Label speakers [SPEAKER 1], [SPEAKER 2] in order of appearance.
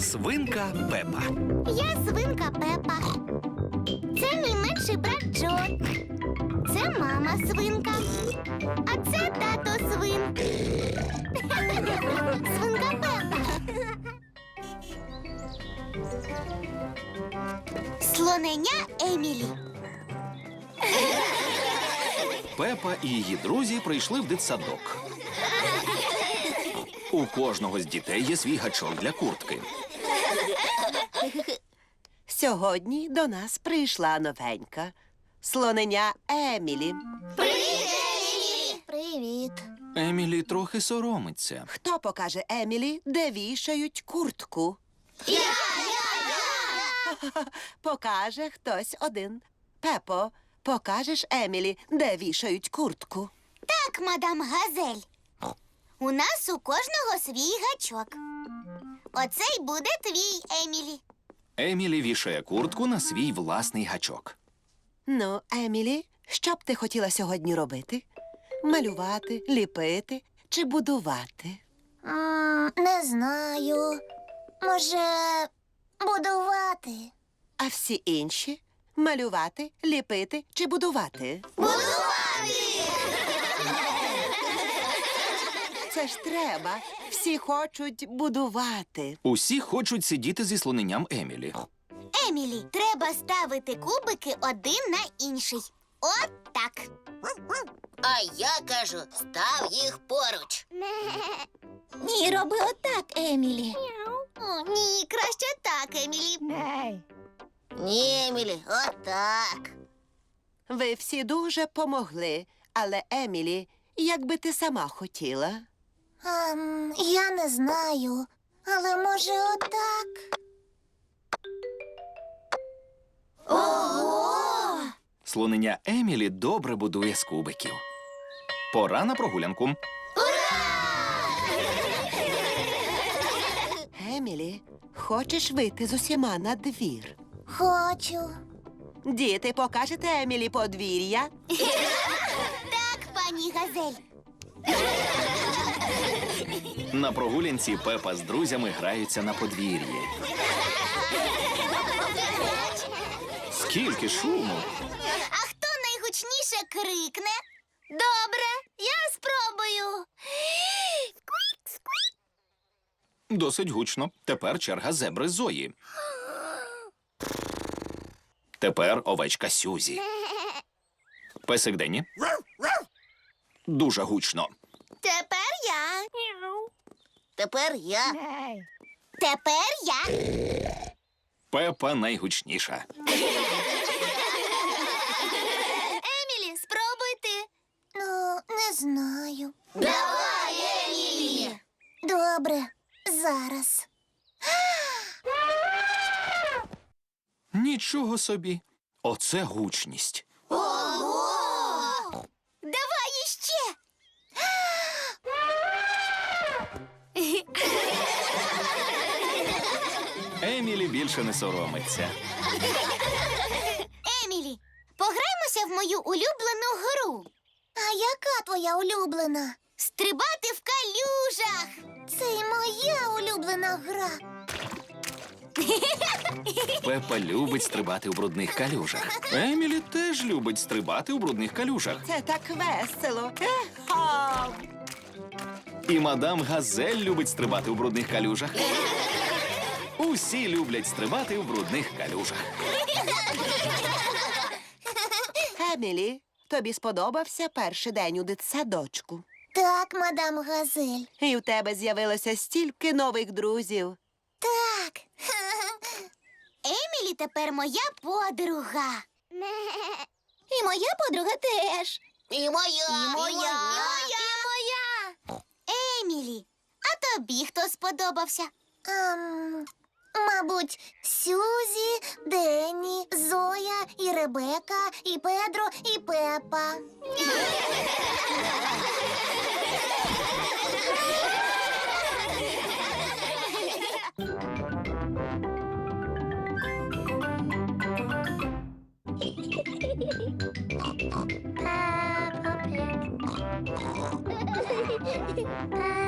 [SPEAKER 1] Свинка Пепа.
[SPEAKER 2] Я свинка Пепа. Це мій менший брат Джо. Це мама свинка. А це тато свин. Свинка Пепа. Слоненя Емілі.
[SPEAKER 1] Пепа і її друзі прийшли в дитсадок. У кожного з дітей є свій гачок для куртки.
[SPEAKER 3] Сьогодні до нас прийшла новенька слоненя Емілі.
[SPEAKER 2] Привіт.
[SPEAKER 1] Емілі трохи соромиться.
[SPEAKER 3] Хто покаже Емілі, де вішають куртку? Покаже хтось один. Пепо, покажеш Емілі, де вішають куртку?
[SPEAKER 2] Так, мадам Газель. У нас у кожного свій гачок. Оцей буде твій, Емілі.
[SPEAKER 1] Емілі вішає куртку на свій власний гачок.
[SPEAKER 3] Ну, Емілі, що б ти хотіла сьогодні робити? Малювати, ліпити чи будувати?
[SPEAKER 2] Не знаю. Може, будувати?
[SPEAKER 3] А всі інші? Малювати, ліпити чи будувати?
[SPEAKER 2] Будувати!
[SPEAKER 3] Це ж треба. Всі хочуть будувати.
[SPEAKER 1] Усі хочуть сидіти зі слоненням Емілі.
[SPEAKER 2] Емілі, треба ставити кубики один на інший. От так.
[SPEAKER 4] А я кажу, став їх поруч.
[SPEAKER 2] Ні, роби отак, Емілі. Ні, краще так, Емілі.
[SPEAKER 4] Ні, Емілі, отак.
[SPEAKER 3] Ви всі дуже помогли, але, Емілі, як би ти сама хотіла?
[SPEAKER 2] Я не знаю, але може отак. Ого!
[SPEAKER 1] Слоненя Емілі добре будує з кубиків. Пора на прогулянку.
[SPEAKER 3] Емілі, хочеш вийти з усіма на двір?
[SPEAKER 2] Хочу.
[SPEAKER 3] Діти, покажете Емілі подвір'я?
[SPEAKER 2] Так, пані Газель.
[SPEAKER 1] На прогулянці Пепа з друзями граються на подвір'ї. Скільки шуму!
[SPEAKER 2] А хто найгучніше крикне? Добре, я спробую.
[SPEAKER 1] Досить гучно. Тепер черга зебри Зої. Тепер овечка Сюзі. Песик Денні. Дуже гучно.
[SPEAKER 2] Тепер я.
[SPEAKER 4] Тепер я.
[SPEAKER 2] Тепер я.
[SPEAKER 1] Пепа найгучніша.
[SPEAKER 2] Емілі, спробуй ти. Ну, не знаю.
[SPEAKER 4] Давай, Емілі!
[SPEAKER 2] Добре, зараз.
[SPEAKER 1] Нічого собі. Оце гучність.
[SPEAKER 2] Ого! Давай іще.
[SPEAKER 1] Емілі більше не соромиться.
[SPEAKER 2] Емілі, пограймося в мою улюблену гру. А яка твоя улюблена? Стрибати в калюжах. Це й моя улюблена гра.
[SPEAKER 1] Пепа любить стрибати у брудних калюжах. Емілі теж любить стрибати у брудних калюжах.
[SPEAKER 3] Це так весело. Ха!
[SPEAKER 1] І мадам Газель любить стрибати у брудних калюжах. Усі люблять стрибати у брудних калюжах.
[SPEAKER 3] Емілі, тобі сподобався перший день у дитсадочку?
[SPEAKER 2] Так, мадам Газель.
[SPEAKER 3] І в тебе з'явилося стільки нових друзів.
[SPEAKER 2] Так. Емілі тепер моя подруга. І моя подруга теж.
[SPEAKER 4] І моя,
[SPEAKER 2] І моя. Емілі, а тобі хто сподобався? Мабуть, Сюзі, Денні, Зоя, і Ребека, і Педро, і Пепа. Peppa Pig.